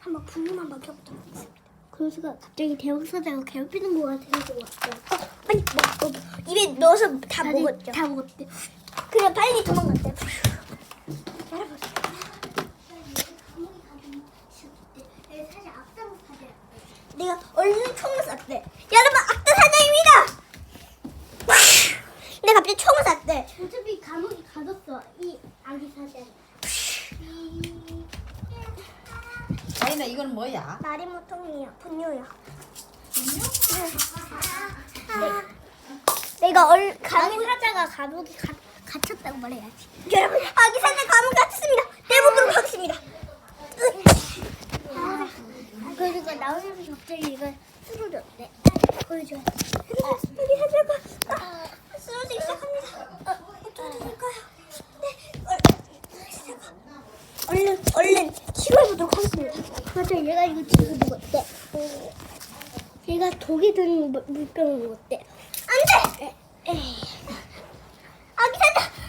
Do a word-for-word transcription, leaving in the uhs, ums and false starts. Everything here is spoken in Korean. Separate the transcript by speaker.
Speaker 1: 한번 분유만 먹여보도록 하겠습니다. 그래서가 갑자기 대형사자가 괴롭히는 것 같아서 왔어요. 어, 빨리 먹, 먹, 입에 넣어서 다
Speaker 2: 다들
Speaker 1: 먹었죠.
Speaker 2: 다 먹었대.
Speaker 1: 그냥 빨리 도망갔대. 여러분. 사실 악당 사자야. 내가 얼른 총을 쐈대. 여러분 악당 사자입니다. 근데 갑자기 총을 쐈대.
Speaker 2: 어차피 감옥에 가뒀어. 이 아기 사자.
Speaker 3: 아이나 이건 뭐야?
Speaker 1: 마리모통이야. 분유야. 분유? 네. 내가 얼
Speaker 2: 아기
Speaker 1: 감옥
Speaker 2: 사자가 감옥에 가, 갇혔다고 말해야지.
Speaker 1: 여러분 아기 사자 감옥 갇혔습니다. 내보도록 하겠습니다.
Speaker 2: 그러니까 나오면서 갑자기 이걸 쓰러졌대.
Speaker 1: 보여줘. 아기 사자가 아, 쓰러지기 시작합니다. 어, 어떻게 될까요? 네. 얼, 사자가 얼른 얼른 치료해보도록 하겠습니다.
Speaker 2: 맞아, 얘가 이거 지금 먹었대. 얘가 독이 든 물- 물병을 먹었대.
Speaker 1: 안돼. 아기 사자